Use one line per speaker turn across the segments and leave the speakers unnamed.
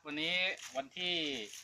วันนี้วันที่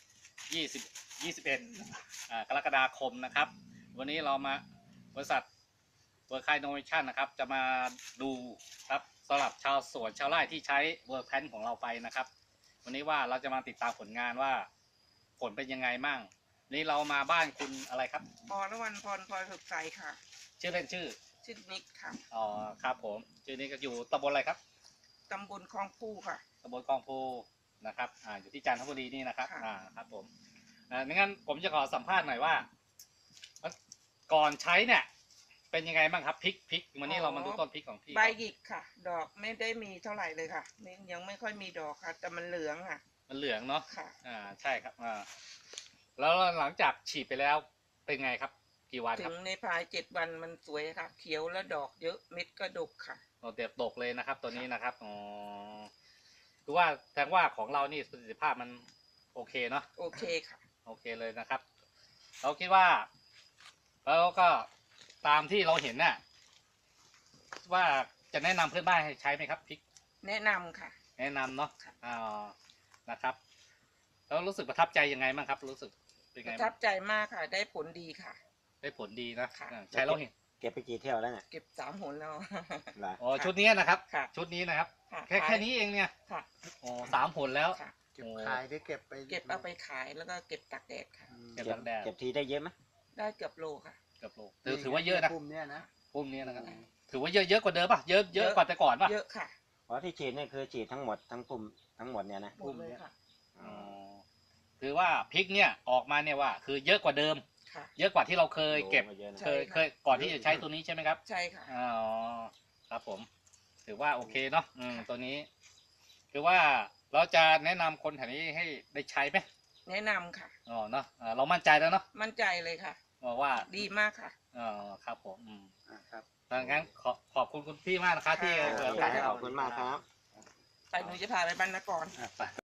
21กรกฎาคมนะครับวันนี้เรามาบริษัทเวิร์คไคโนเวชั่นนะครับจะมาดูครับสำหรับชาวสวนชาวไร่ที่ใช้เวิร์คแพนของเราไปนะครับวันนี้ว่าเราจะมาติดตามผลงานว่าผลเป็นยังไงมั่งนี่เรามาบ้านคุณอะไรครับ
พรวันพรพลอยสุขใสค่ะ
ชื่อเล่นชื่อ
นิกค่ะ
อ๋อครับผมชื่อนี้ก็อยู่ตำบลอะไรครับ
ตำบลคลองปูค่ะ
ตำบลคลองโพนะครับอยู่ที่จันทบุรีนี่นะครับครับผมงั้นผมจะขอสัมภาษณ์หน่อยว่าก่อนใช้เนี่ยเป็นยังไงบ้างครับพริกวันนี้เรามาดูต้นพริกของพี่
ใบหยิกค่ะ ดอกไม่ได้มีเท่าไหร่เลยค่ะยังไม่ค่อยมีดอกค่ะ แต่มันเหลืองค่ะ
มันเหลืองเนาะ
ค่ะ
ใช่ครับแล้วหลังจากฉีดไปแล้วเป็นไงครับกี่วันครับ
ถึงในภาย7 วันมันสวยค่ะ เขียวและดอกเยอะเม็ดก็ดกค่ะ
เด็ดตกเลยนะครับตัวนี้นะครับคือว่าแสดงว่าของเรานี่ประสิทธิภาพมันโอเคเนาะ
โอเคค่ะ
โอเคเลยนะครับเราคิดว่าแล้วก็ตามที่เราเห็นน่ะว่าจะแนะนำเพื่อนบ้านให้ใช้ไหมครับพริก
แนะนำค่ะ
แนะนำเนาะนะครับแล้วรู้สึกประทับใจยังไงบ้างครับรู้สึกเป็นไง
ประทับใจมากค่ะ ได้ผลดีค่ะ
ได้ผลดีนะใช้เราเห็น
เก็บไปกี่เที่ยวแล้วเนี่ย
เก็บ3 หนแล้ว
อ๋อชุดนี้นะครับ
ค่ะ
ชุดนี้นะครับ
แค่
นี้เองเนี่ย
ค่ะ
โอ้3 ผลแล้ว
เก็บขายหรือเก็บไป
เอาไปขายแล้วก็เก็บตากแดดค่ะ
เก็บตากแดด
เก็บทีได้เยอะไหม
ได้เกือบโลค่ะ
เกือบโลถือว่าเยอะนะ
ปุ่มเนี้ยนะ
ปุ่มนี้นะครับถือว่าเยอะกว่าเดิมป่ะเยอะกว่าแต่ก่อนป่ะ
เยอะค่ะ
เพราะที่ฉีดเนี่ยคือฉีดทั้งหมดทั้งปุ่มทั้งหมดเนี่ยนะ
ปุ่มเลยค่ะ
คือว่าพริกเนี่ยออกมาเนี่ยว่าคือเยอะกว่าเดิมเยอะกว่าที่เราเคยเก็บเคยก่อนที่จะใช้ตัวนี้ใช่ไหมครับ
ใช่ค่ะ
อ๋อครับผมถือว่าโอเคเนาะตัวนี้คือว่าเราจะแนะนำคนแถวนี้ให้ได้ใช้ไหม
แนะนำค่ะ
อ๋อเนาะเรามั่นใจแล้วเนาะ
มั่นใจเลยค่ะ
ว่า
ดีมากค่ะ
อ๋อครับผม
ครับ
ดังนั้นขอบคุณคุณพี่มากนะครับที่
ขอบคุณมากครับ
ไปหนูจะพาไปบ้านนคร